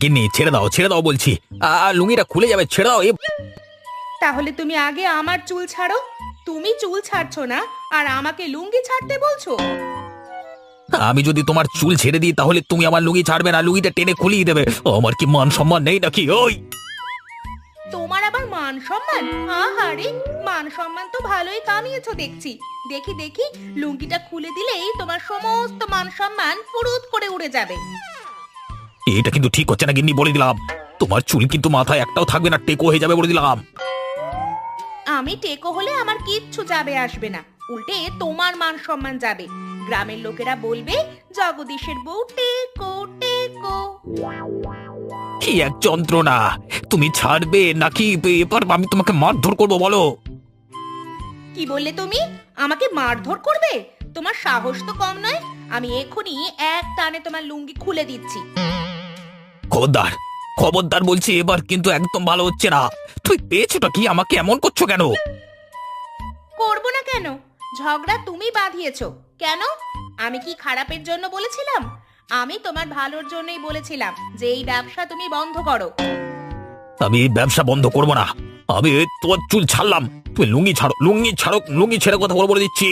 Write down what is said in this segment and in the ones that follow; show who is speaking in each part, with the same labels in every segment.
Speaker 1: গিন্নি, ছেড়ে দাও বলছি। লুঙ্গিটা খুলে যাবে, ছেড়ে দাও।
Speaker 2: তাহলে তুমি আগে আমার চুল ছাড়ো। তুমি চুল ছাড়ছো না আর আমাকে লুঙ্গি ছাড়তে বলছো?
Speaker 1: আমি যদি তোমার চুল ছেড়ে দিই তাহলে তুমি আমার লুঙ্গি ছাড়বে না, লুঙ্গিটা টেনে খুলিয়ে দেবে। আমার কি মান সম্মান নেই নাকি? ওই
Speaker 2: তোমার আবার মান সম্মান? আহারে, মান সম্মান তো ভালোই কামিয়েছো দেখছি। দেখি দেখি, লুঙ্গিটা খুলে দিলেই তোমার সমস্ত মান সম্মান ফুরুত করে উড়ে যাবে।
Speaker 1: এটা কিন্তু ঠিক হচ্ছে না গিন্নি, বলে দিলাম। তোমার চুল কিন্তু মাথায় একটাও থাকবে না, টেকো হয়ে যাবে বলে দিলাম।
Speaker 2: আমি টেকো হলে আমার কিচ্ছু যাবে আসবে না, উল্টে তোমার মান সম্মান যাবে। গ্রামের লোকেরা বলবে জগদীশের বউ টেকো টেকো।
Speaker 1: কি এক যন্ত্রণা! তুমি ছাড়বে নাকি এবার আমি তোমাকে মারধর করবো, বলো?
Speaker 2: কি বললে তুমি? আমাকে মারধর করবে? তোমার সাহস তো কম নয়। আমি এখনই এক টানে তোমার লুঙ্গি খুলে দিচ্ছি।
Speaker 1: খবরদার, খবরদার বলছি, এবার কিন্তু একদম ভালো হচ্ছে না। তুই পেয়েছোটা কি? আমাকে এমন করছো কেন?
Speaker 2: করব না কেন? ঝগড়া তুমি বাঁধিয়েছো। কেন? আমি কি খারাপের জন্য বলেছিলাম? আমি তোমার ভালোর জন্যই বলেছিলাম যে এই ব্যবসা তুমি বন্ধ করো।
Speaker 1: আমি এই ব্যবসা বন্ধ করবো না। আমি তোমার চুল ছাড়লাম, তুমি লুঙ্গি ছাড়ো, লুঙ্গি ছাড়ো, লুঙ্গি ছেড়ে কথা বলে দিচ্ছি।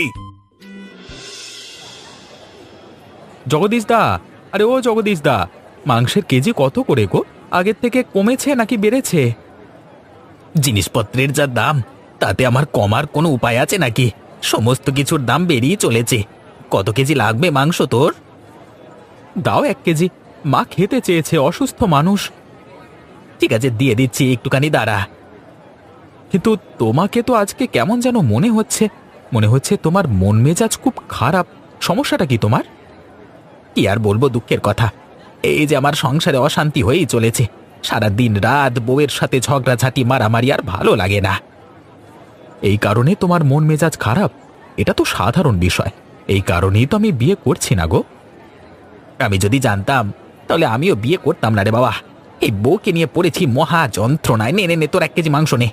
Speaker 3: জগদীশ দা, আরে ও জগদীশ দা, মাংসের কেজি কত করে গো? আগের থেকে কমেছে নাকি বেড়েছে?
Speaker 1: জিনিসপত্রের যা দাম, তাতে আমার কমার কোনো উপায় আছে নাকি? সমস্ত কিছুর দাম বেরিয়ে চলেছে। কত কেজি লাগবে মাংস তোর?
Speaker 3: দাও 1 কেজি, মা খেতে চেয়েছে, অসুস্থ মানুষ।
Speaker 1: ঠিক আছে, দিয়ে দিচ্ছি, একটুখানি দাঁড়া।
Speaker 3: কিন্তু তোমাকে তো আজকে কেমন যেন মনে হচ্ছে তোমার মন মেজাজ খুব খারাপ। সমস্যাটা কি তোমার?
Speaker 1: কি আর বলবো, দুঃখের কথা। এই যে আমার সংসারে অশান্তি হয়েই চলেছে। সারা দিন রাত বউয়ের সাথে ঝগড়াঝাটি, মারামারি, আর ভালো লাগে না।
Speaker 3: এই কারণে তোমার মন মেজাজ খারাপ? এটা তো সাধারণ বিষয়। এই কারণেই তো আমি বিয়ে করছি না গো।
Speaker 1: আমি যদি জানতাম তাহলে আমিও বিয়ে করতাম না রে বাবা। এই বউকে নিয়ে পড়েছি মহা যন্ত্রণায়। নে নে নে, তোর 1 কেজি মাংস নে।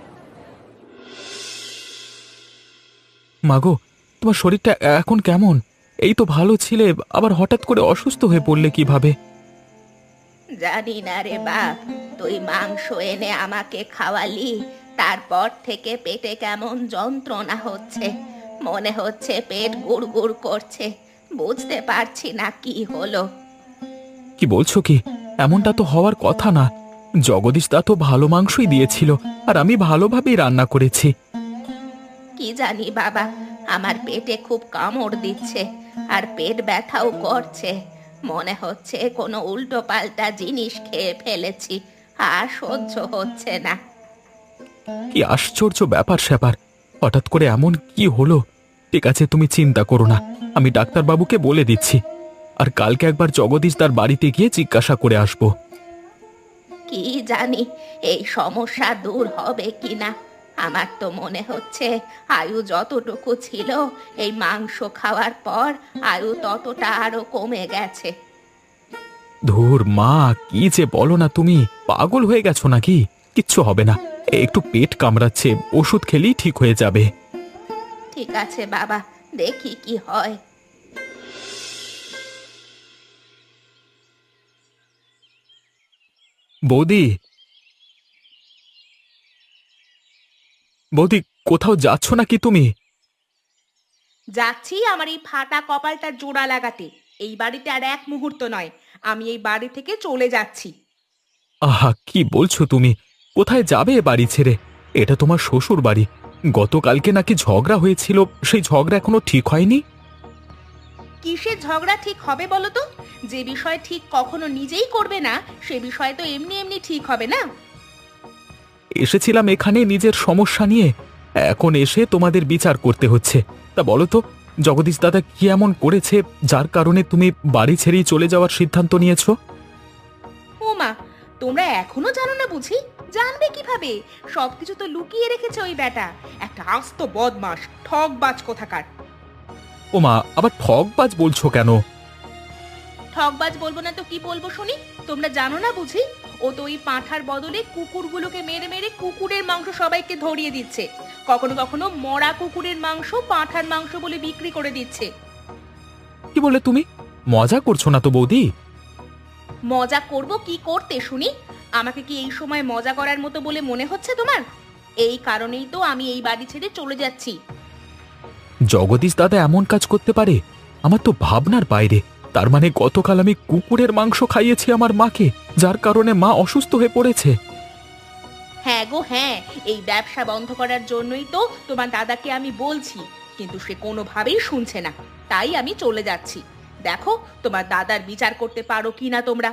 Speaker 3: মাগো, তোমার শরীরটা এখন কেমন? এই তো ভালো ছিলে, আবার হঠাৎ করে অসুস্থ হয়ে পড়লে কিভাবে?
Speaker 2: জানি না রে বাপ, তুই মাংস এনে আমাকে খাওয়ালি, তারপর থেকে পেটে কেমন যন্ত্রণা হচ্ছে। মনে হচ্ছে পেট গুড়গুড় করছে। বুঝতে পারছি না কি হলো।
Speaker 3: কি বলছো কি? এমনটা তো হওয়ার কথা না। জগদীশ দা তো ভালো মাংসই দিয়েছিল, আর আমি ভালোভাবেই রান্না করেছি।
Speaker 2: কি জানি বাবা, আমার পেটে খুব কামড় দিচ্ছে আর পেট ব্যথাও করছে। মনে হচ্ছে কোনো উল্টো পাল্টা জিনিস খেয়ে ফেলেছি, আর সহ্য হচ্ছে না।
Speaker 3: কি আশ্চর্য ব্যাপার স্যাপার! হঠাৎ করে এমন কি হলো? ঠিক আছে, তুমি চিন্তা করো না, আমি ডাক্তারবাবুকে বলে দিচ্ছি। আর কালকে একবার জগদীশ দার বাড়িতে গিয়ে জিজ্ঞাসা করে আসবো।
Speaker 2: কি জানি এই সমস্যা দূর হবে কিনা। আমার তো মনে হচ্ছে আয়ু যতটুকু ছিল এই মাংস খাওয়ার পর আয়ু ততটা আরো কমে গেছে।
Speaker 3: ধুর মা, কি যে বলো না, তুমি পাগল হয়ে গেছো নাকি? কিচ্ছু হবে না, একটু পেট কামড়াচ্ছে, ওষুধ খেলেই ঠিক হয়ে যাবে।
Speaker 2: ঠিক আছে বাবা, দেখি কি হয়।
Speaker 3: বৌদি, বৌদি, কোথাও যাচ্ছ নাকি তুমি?
Speaker 2: যাচ্ছি আমার এই ফাটা কপালটা জোড়া লাগাতে। এই বাড়িতে আর এক মুহূর্ত নয়। আমি এই বাড়ি থেকে চলে যাচ্ছি।
Speaker 3: আহা, কি বলছো তুমি? কোথায় যাবে এ বাড়ি ছেড়ে? এটা তোমার শ্বশুর বাড়ি। গতকালকে নাকি ঝগড়া হয়েছিল, সেই ঝগড়া এখনো ঠিক হয়নি।
Speaker 2: কিসের ঝগড়া ঠিক হবে বলো তো? যে বিষয় ঠিক কখনো নিজেই করবে না, সে বিষয় তো এমনি এমনি ঠিক হবে না।
Speaker 3: এসেছিলাম এখানে নিজের সমস্যা নিয়ে, এখন এসে তোমাদের বিচার করতে হচ্ছে। তা বলো তো, জগদীশ দাদা কি এমন করেছে যার কারণে তুমি বাড়ি ছেড়েই চলে যাওয়ার সিদ্ধান্ত নিয়েছো?
Speaker 2: ও মা, তোমরা এখনো জানো না বুঝি? জানবে কিভাবে? সবকিছু তো লুকিয়ে রেখেছে ওই বেটা। একটা আস্ত বদমাস, ঠকবাজ কোথাকার।
Speaker 3: ওমা, আবার ঠকবাজ বলছো কেন?
Speaker 2: ঠকবাজ বলবো না তো কি বলবো শুনি? তোমরা জানো না বুঝি? ও তো ওই পাঁঠার বদলে কুকুরগুলোকে মেরে মেরে কুকুরের মাংস সবাইকে ধরিয়ে দিচ্ছে। কখনো কখনো মরা কুকুরের মাংস পাঁঠার মাংস বলে বিক্রি করে দিচ্ছে।
Speaker 3: কি বলে তুমি? মজা করছো না তো বৌদি?
Speaker 2: মজা করব কি করতে শুনি? আমাকে কি এই সময় মজা করার মতো বলে মনে হচ্ছে তোমার? এই কারণেই তো আমি এই বাড়ি ছেড়ে চলে যাচ্ছি।
Speaker 3: জগদীশ দাদা এমন কাজ করতে পারে? আমার তো ভাবনার বাইরে। তার মানে গতকাল আমি কুকুরের মাংস খাইয়েছি আমার মাকে, যার কারণে মা অসুস্থ হয়ে পড়েছে।
Speaker 2: হ্যাঁ গো হ্যাঁ, এই ব্যবসা বন্ধ করার জন্যই তো তোমার দাদাকে আমি বলছি, কিন্তু সে কোনোভাবেই শুনছে না। তাই আমি চলে যাচ্ছি। দেখো তোমার দাদার বিচার করতে পারো কিনা তোমরা।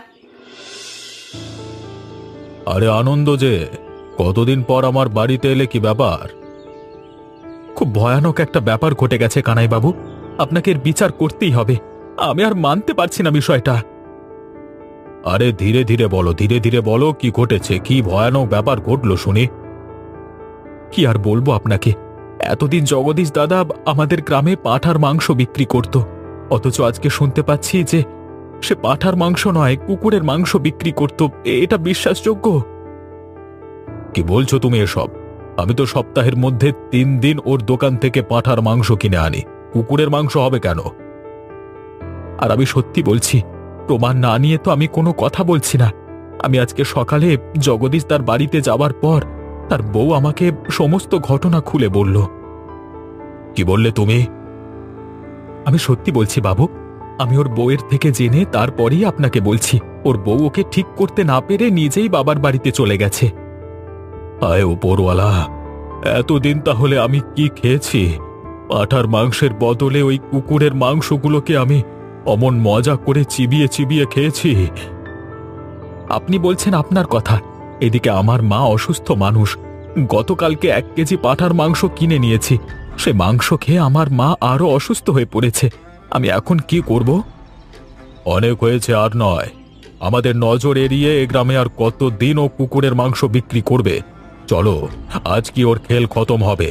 Speaker 3: আরে আনন্দ যে, কতদিন পর আমার বাড়িতে এলে, কি ব্যাপার? খুব ভয়ানক একটা ব্যাপার ঘটে গেছে কানাই বাবু, আপনাকে এর বিচার করতেই হবে। আমি আর মানতে পারছি না বিষয়টা। আরে ধীরে ধীরে বলো, ধীরে ধীরে বলো, কি ঘটেছে, কি ভয়ানক ব্যাপার ঘটলো শুনি। কি আর বলবো আপনাকে, এতদিন জগদীশ দাদা আমাদের গ্রামে পাঁঠার মাংস বিক্রি করত, অথচ আজকে শুনতে পাচ্ছি যে সে পাঁঠার মাংস নয়, কুকুরের মাংস বিক্রি করত। এটা বিশ্বাসযোগ্য? কি বলছো তুমি এসব? আমি তো সপ্তাহের মধ্যে 3 দিন ওর দোকান থেকে পাঁঠার মাংস কিনে আনি, কুকুরের মাংস হবে কেন? আর আমি সত্যি বলছি, প্রমাণ না নিয়ে তো আমি কোনো কথা বলছি না। আমি আজকে সকালে জগদীশ তার বাড়িতে যাওয়ার পর তার বউ আমাকে সমস্ত ঘটনা খুলে বলল। কি বললে তুমি? আমি সত্যি বলছি বাবু, আমি ওর বউয়ের থেকে জেনে তারপরেই আপনাকে বলছি। ওর বউ ওকে ঠিক করতে না পেরে নিজেই বাবার বাড়িতে চলে গেছে। আয় উপরওয়ালা, এতদিন তাহলে আমি কি খেয়েছি? পাঁঠার মাংসের বদলে ওই কুকুরের মাংসগুলোকে আমি অমন মজা করে চিবিয়ে চিবিয়ে খেয়েছি। আপনি বলছেন আপনার কথা, এদিকে আমার মা অসুস্থ মানুষ। গতকালকে 1 কেজি পাঁঠার মাংস কিনে নিয়েছি, সে মাংস খেয়ে আমার মা আরো অসুস্থ হয়ে পড়েছে। আমি এখন কি করব? অনেক হয়েছে, আর নয়। আমাদের নজর এড়িয়ে এ গ্রামে আর কতদিন ও কুকুরের মাংস বিক্রি করবে? চলো, আজ কি ওর খেল খতম হবে।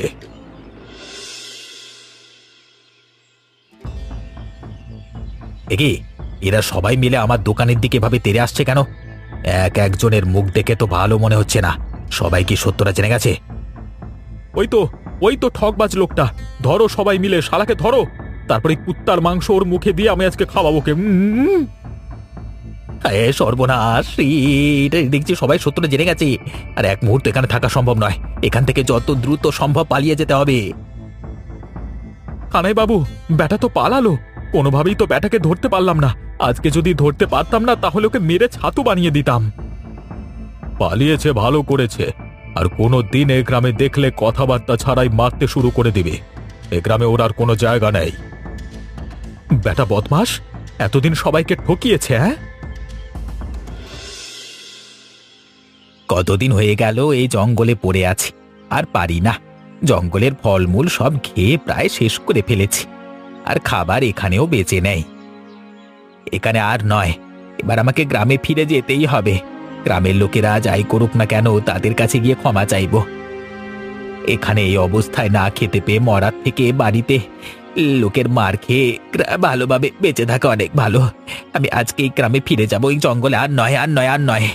Speaker 1: একে এরা সবাই মিলে আমার দোকানের দিকে ভাবে তেড়ে আসছে কেন? একজনের মুখ দেখে তো ভালো মনে হচ্ছে না। সবাই কি সত্যটা জেনে গেছে?
Speaker 3: ওই তো ঠকবাজ লোকটা। ধরো সবাই মিলে, শালাকে ধরো। তারপরে কুত্তার মাংস ওর মুখে দিয়ে আমি আজকে খাওয়াবো কে।
Speaker 1: সর্বনাশ, এটা দেখছি সবাই সত্যটা জেনে গেছে। আর এক মুহূর্ত এখানে থাকা সম্ভব নয়। এখান থেকে যত দ্রুত সম্ভব পালিয়ে যেতে হবে।
Speaker 3: কানাই বাবু, ব্যাটা তো পালালো। কোনোভাবেই তো ব্যাটাকে ধরতে পারলাম না। আজকে যদি ধরতে পারতাম না, তাহলে ওকে মেরে ছাতু বানিয়ে দিতাম। পালিয়েছে, ভালো করেছে। আর কোনো দিন এ গ্রামে দেখলে কথাবার্তা ছাড়াই মারতে শুরু করে দিবে। এ গ্রামে ওর আর কোনো জায়গা নেই। ব্যাটা বদমাস, এতদিন সবাইকে ঠকিয়েছে। হ্যাঁ,
Speaker 1: কতদিন হয়ে গেল এই জঙ্গলে পড়ে আছি, আর পারি না। জঙ্গলের ফলমূল সব খেয়ে প্রায় শেষ করে ফেলেছি, আর খাবার এখানেও বেঁচে নেই। এখানে আর নয়, এবার আমাকে গ্রামে ফিরে যেতেই হবে। গ্রামের লোকেরা যাই করুক না কেন, তাদের কাছে গিয়ে ক্ষমা চাইব। এখানে এই অবস্থায় না খেতে পেয়ে মরার থেকে বাড়িতে লোকের মার খেয়ে ভালোভাবে বেঁচে থাকা অনেক ভালো। আমি আজকে এই গ্রামে ফিরে যাব, এই জঙ্গলে আর নয়, আর নয়, আর নয়।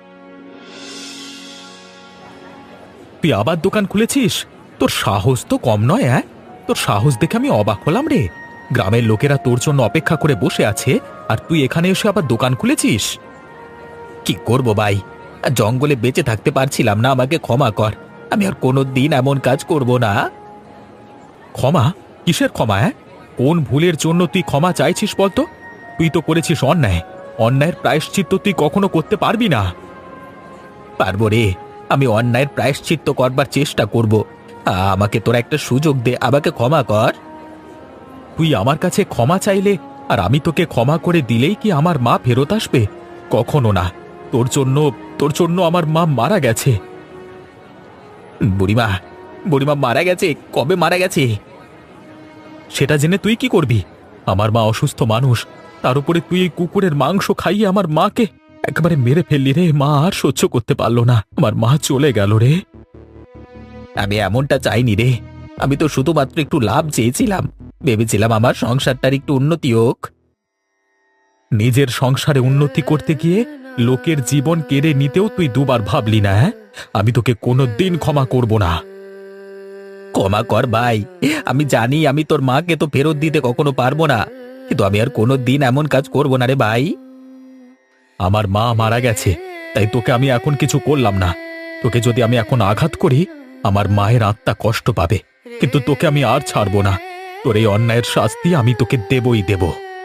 Speaker 3: তুই আবার দোকান খুলেছিস? তোর সাহস তো কম নয়। হ্যাঁ, তোর সাহস দেখে আমি অবাক হলাম রে। গ্রামের লোকেরা তোর জন্য অপেক্ষা করে বসে আছে, আর তুই এখানে এসে আবার দোকান খুলেছিস?
Speaker 1: কি করব ভাই, জঙ্গলে বেঁচে থাকতে পারছিলাম না, আমাকে ক্ষমা কর। আমি আর কোনো দিন এমন কাজ করব না।
Speaker 3: ক্ষমা? কিসের ক্ষমা? হ্যাঁ, কোন ভুলের জন্য তুই ক্ষমা চাইছিস বলতো? তুই তো করেছিস অন্যায়। অন্যায়ের প্রায়শ্চিত্ত তুই কখনো করতে পারবি না।
Speaker 1: পারবো রে, আমি অন্যায়ের প্রায়শ্চিত্ত করবার চেষ্টা করব। আমাকে তোরা একটা সুযোগ দে, আমাকে ক্ষমা কর।
Speaker 3: তুই আমার কাছে ক্ষমা চাইলে আর আমি তোকে ক্ষমা করে দিলেই কি আমার মা ফেরত আসবে? কখনো না। তোর জন্য আমার মা মারা গেছে।
Speaker 1: বুড়িমা, বুড়িমা মারা গেছে? কবে মারা গেছে?
Speaker 3: সেটা জেনে তুই কি করবি? আমার মা অসুস্থ মানুষ, তার উপরে তুই এই কুকুরের মাংস খাইয়ে আমার মাকে একেবারে মেরে ফেললি রে। মা আর সহ্য করতে পারলো না, আমার মা চলে গেল রে।
Speaker 1: আমি এমনটা চাইনি রে। আমি তো শুধুমাত্র একটু লাভ চেয়েছিলাম, ভেবেছিলাম আমার সংসারটার একটু উন্নতি হোক।
Speaker 3: নিজের সংসারে উন্নতি করতে গিয়ে লোকের জীবন কেড়ে নিতেও তুই দুবার ভাবলি না? হ্যাঁ, আমি তোকে কোনোদিন ক্ষমা করব না।
Speaker 1: ক্ষমা কর ভাই, আমি জানি আমি তোর মাকে তো ফেরত দিতে কখনো পারবো না, কিন্তু আমি আর কোনো দিন এমন কাজ করব না রে ভাই।
Speaker 3: আমার মা মারা গেছে, তাই তোকে আমি এখন কিছু করলাম না। তোকে যদি আমি এখন আঘাত করি, আমার মায়ের আত্মা কষ্ট পাবে, কিন্তু তোকে আমি আর ছাড়বো না। তোর এই অন্যায়ের শাস্তি আমি তোকে দেবই দেব।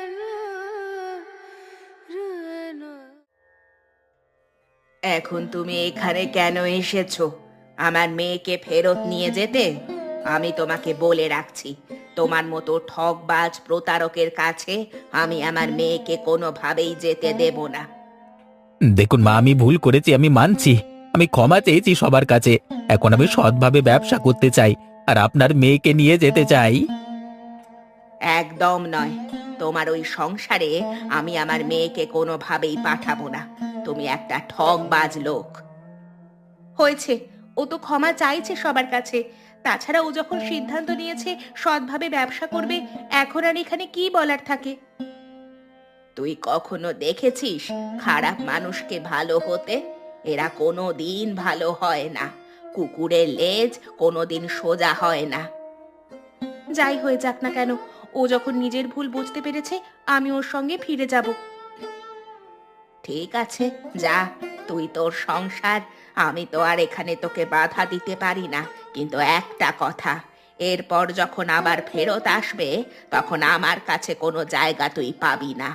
Speaker 2: এখন তুমি এখানে কেন এসেছো? আমার মেয়েকে ফেরত নিয়ে যেতে? আমি তোমাকে বলে রাখছি, তোমার মতো ঠকবাজ প্রতারকের কাছে আমি আমার মেয়েকে কোনোভাবেই যেতে দেব না।
Speaker 1: দেখুন মা, আমি ভুল করেছি, আমি মানছি। আমি ক্ষমা চেয়েছি সবার কাছে। এখন আমি সৎভাবে ব্যবসা করতে চাই, আর আপনার মেয়েকে নিয়ে যেতে চাই।
Speaker 2: একদম নয়, তোমার ওই সংসারে আমি আমার মেয়েকে কোনোভাবেই পাঠাবো না। তুমি একটা ঠকবাজ লোক। হয়েছে, ও তো ক্ষমা চাইছে সবার কাছে। তাছাড়া ও যখন সিদ্ধান্ত নিয়েছে সৎভাবে ব্যবসা করবে, এখন আর এখানে কি বলার থাকে? তুই কখনো দেখেছিস খারাপ মানুষকে ভালো হতে? এরা কোনো দিন ভালো হয় না। কুকুরের লেজ কোনোদিন সোজা হয় না। যাই হয়ে যাক না কেন, ও যখন নিজের ভুল বুঝতে পেরেছে, আমি ওর সঙ্গে ফিরে যাব। ঠিক আছে, যা, তুই তোর সংসার। আমি তো আর এখানে তোকে বাধা দিতে পারি না, কিন্তু একটা কথা, এরপর যখন আবার ফেরত আসবে, তখন আমার কাছে কোনো জায়গা তুই পাবি না।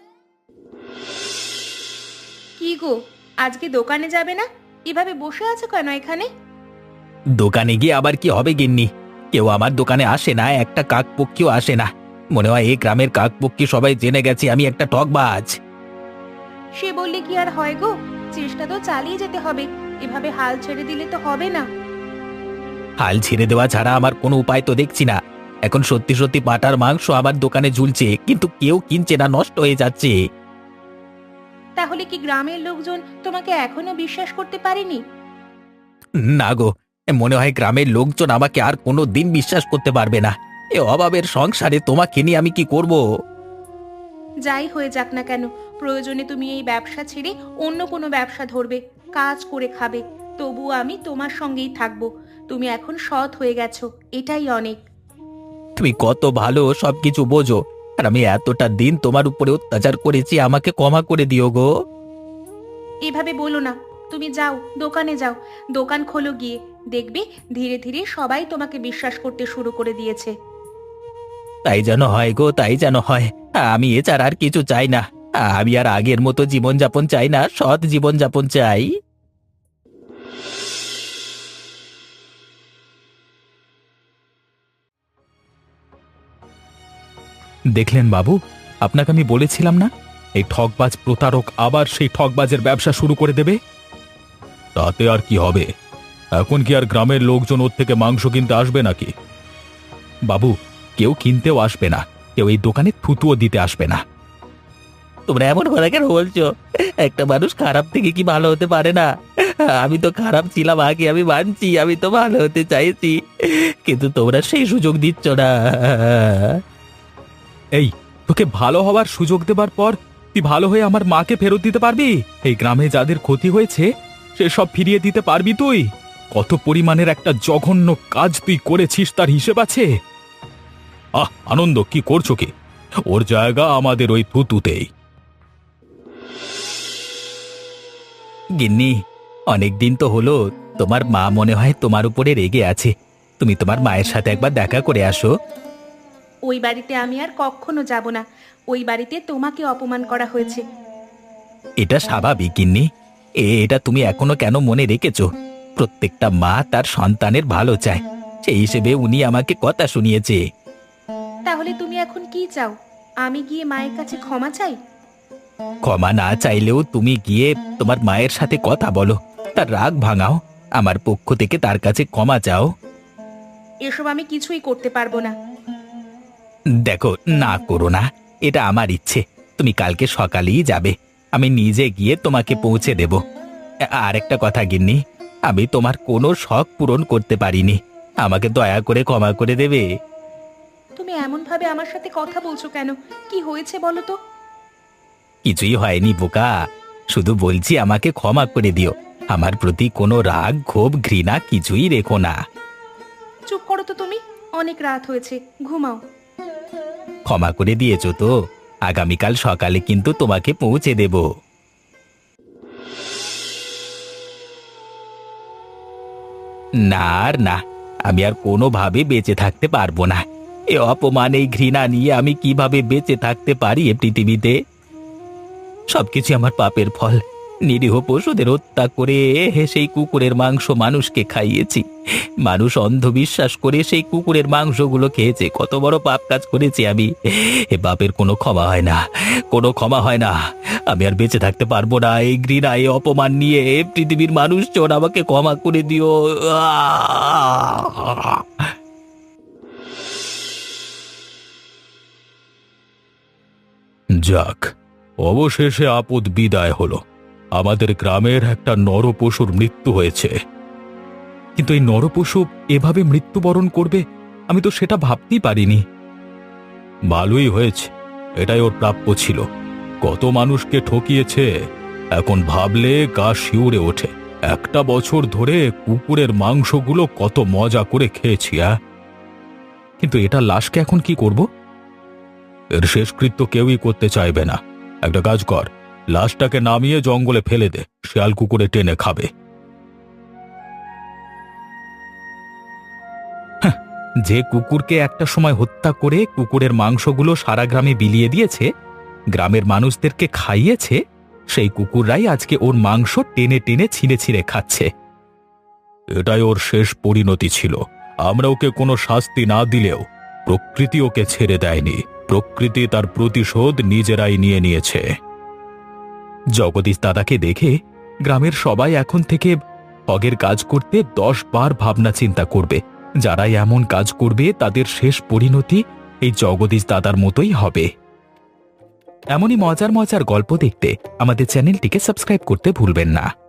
Speaker 2: কি গো, আজকে দোকানে যাবে না? এভাবে বসে আছো কেন এখানে?
Speaker 1: দোকানে গিয়ে আবার কি হবে গিন্নি? কেউ আমার দোকানে আসে না, একটা কাকপক্ষীও আসে না। মনে হয় এই গ্রামের কাকপক্ষী সবাই জেনে গেছে আমি একটা ঠকবাজ।
Speaker 2: সে বললে কি আর হয় গো? চেষ্টা তো চালিয়ে যেতে হবে। এভাবে হাল ছেড়ে দিলে তো হবে না।
Speaker 1: হাল ছেড়ে দেওয়া ছাড়া আমার কোনো উপায় তো দেখছি না। এখন সত্যি সত্যি পাটার মাংস আমার দোকানে ঝুলছে, কিন্তু কেউ কিনছে না, নষ্ট হয়ে যাচ্ছে।
Speaker 2: তাহলে কি গ্রামের লোকজন তোমাকে এখনো বিশ্বাস করতে পারেনি?
Speaker 1: না গো, মনে হয় গ্রামের লোকজন আমাকে আর কোনো দিন বিশ্বাস করতে পারবে না। এ অভাবের সংসারে তোমাকে নিয়ে আমি কি করব?
Speaker 2: যাই হয়ে যাক না কেন, প্রয়োজনে তুমি এই ব্যবসা ছেড়ে অন্য কোনো ব্যবসা ধরবে, কাজ করে খাবে। তবু আমি তোমার সঙ্গেই থাকবো। তুমি এখন সৎ হয়ে গেছো, এটাই অনেক।
Speaker 1: তুমি কত ভালো, সবকিছু বোঝো, আর আমি এতটা দিন তোমার উপরে অত্যাচার করেছি, আমাকে ক্ষমা করে দিও গো।
Speaker 2: এভাবে বলো না। তুমি যাও, দোকানে যাও, দোকান খোলো গিয়ে। দেখবে ধীরে ধীরে সবাই তোমাকে বিশ্বাস করতে শুরু করে দিয়েছে।
Speaker 1: তাই যেন হয় গো, তাই যেন হয়। আমি এছাড়া আর কিছু চাই না। আমি আর আগের মতো জীবনযাপন চাই না, সৎ জীবনযাপন চাই।
Speaker 3: দেখলেন বাবু, আপনাকে আমি বলেছিলাম না, এই ঠকবাজ প্রতারক আবার সেই ঠকবাজের ব্যবসা শুরু করে দেবে। তাতে আর কি হবে? এখন কি আর গ্রামের লোকজন ওর থেকে মাংস কিনতে আসবে নাকি? বাবু, কেউ কিনতেও আসবে না, কেউ এই দোকানে থুতুও দিতে আসবে না।
Speaker 1: তোমরা এমন কথা কেন বলছো? একটা মানুষ খারাপ থেকে কি ভালো হতে পারে না? আমি তো খারাপ ছিলাম আগে, আমি মানছি, আমি তো ভালো হতে চাইছি, কিন্তু তোমরা সেই সুযোগ দিচ্ছ না।
Speaker 3: এই, তোকে ভালো হওয়ার সুযোগ দেবার পর তুই ভালো হয়ে আমার মাকে ফেরত দিতে পারবি? এই গ্রামে যাদের ক্ষতি হয়েছে সে সব ফিরিয়ে দিতে পারবি তুই? কত পরিমাণের একটা জঘন্য কাজ তুই করেছিস তার হিসেব আছে? আনন্দ, কি করছো কি? ওর জায়গা আমাদের ওই থুতুতেই।
Speaker 1: গিন্নি, অনেক দিন তো হলো, তোমার মা মনে হয় তোমার উপরে রেগে আছে। তুমি তোমার মায়ের সাথে একবার দেখা করে আসো।
Speaker 2: ওই বাড়িতে আমি আর কখনো যাব না। ওই বাড়িতে তোমাকে অপমান করা হয়েছে।
Speaker 1: এটা স্বাভাবিক গিন্নি। এটা তুমি এখনো কেন মনে রেখেছো? প্রত্যেকটা মা তার সন্তানের ভালো চায়, সেই হিসেবে উনি আমাকে কথা শুনিয়েছে।
Speaker 2: তাহলে তুমি এখন কি চাও? আমি গিয়ে মায়ের কাছে ক্ষমা চাই?
Speaker 1: ক্ষমা না চাইলেও তুমি গিয়ে তোমার মায়ের সাথে কথা বলো, তার রাগ ভাঙাও, আমার পক্ষ থেকে তার কাছে ক্ষমা চাও।
Speaker 2: এসব আমি কিছুই করতে পারবো না।
Speaker 1: দেখো, না করো না, এটা আমার ইচ্ছে। তুমি কালকে সকালেই যাবে, আমি নিজে গিয়ে তোমাকে পৌঁছে দেব। আর একটা কথা গিন্নি, আমি তোমার কোনো শখ পূরণ করতে পারিনি, আমাকে দয়া করে ক্ষমা করে দেবে।
Speaker 2: তুমি এমন ভাবে আমার সাথে কথা বলছো কেন? কি হয়েছে বলো তো?
Speaker 1: কিছুই হয়নি বোকা, শুধু বলছি আমাকে ক্ষমা করে দিও। আমার প্রতি কোনো রাগ, ক্ষোভ, ঘৃণা কিছুই রেখো না।
Speaker 2: চুপ করো তো তুমি। অনেক রাত হয়েছে, ঘুমাও।
Speaker 1: ক্ষমা করে দিয়েছো তো? আগামীকাল সকালে কিন্তু তোমাকে পৌঁছে দেব। না আর না, আমি আর কোনোভাবে বেঁচে থাকতে পারবো না। এ অপমান, এই ঘৃণা নিয়ে আমি কিভাবে বেঁচে থাকতে পারি এ পৃথিবীতে? সবকিছু আমার পাপের ফল। নিরীহ পশুদের হত্যা করে সেই কুকুরের মাংস মানুষকে খাইয়েছি। মানুষ অন্ধবিশ্বাস করে সেই কুকুরের মাংসগুলো খেয়েছে। কত বড় পাপ কাজ করেছি আমি! এ পাপের কোনো ক্ষমা হয় না, কোনো ক্ষমা হয় না। আমি আর বেঁচে থাকতে পারবো না। এই ঘৃণা, এই অপমান নিয়ে পৃথিবীর মানুষজন আমাকে ক্ষমা করে দিও।
Speaker 3: যাক, অবশেষে আপদ বিদায় হলো। আমাদের গ্রামের একটা নরপশুর মৃত্যু হয়েছে। কিন্তু এই নরপশু এভাবে মৃত্যুবরণ করবে আমি তো সেটা ভাবতেই পারিনি। ভালোই হয়েছে, এটাই ওর প্রাপ্য ছিল। কত মানুষকে ঠকিয়েছে, এখন ভাবলে গা শিউরে ওঠে। একটা বছর ধরে কুকুরের মাংসগুলো কত মজা করে খেয়েছি। কিন্তু এটা লাশকে এখন কি করব? এর শেষকৃত্য কেউই করতে চাইবে না। একটা কাজ কর, লাশটাকে নামিয়ে জঙ্গলে ফেলে দে, শিয়াল কুকুরে টেনে খাবে।
Speaker 1: যে কুকুরকে একটা সময় হত্যা করে কুকুরের মাংসগুলো সারা গ্রামে বিলিয়ে দিয়েছে, গ্রামের মানুষদেরকে খাইয়েছে, সেই কুকুররাই আজকে ওর মাংস টেনে টেনে ছিঁড়ে ছিঁড়ে খাচ্ছে।
Speaker 3: এটাই ওর শেষ পরিণতি ছিল। আমরা ওকে কোনো শাস্তি না দিলেও প্রকৃতি ওকে ছেড়ে দেয়নি। প্রকৃতি তার প্রতিশোধ নিজেরাই নিয়ে নিয়েছে।
Speaker 1: জগদীশ দাদাকে দেখে গ্রামের সবাই এখন থেকে হগের কাজ করতে 10 বার ভাবনা চিন্তা করবে। যারাই এমন কাজ করবে তাদের শেষ পরিণতি এই জগদীশ দাদার মতোই হবে। এমনই মজার মজার গল্প দেখতে আমাদের চ্যানেলটিকে সাবস্ক্রাইব করতে ভুলবেন না।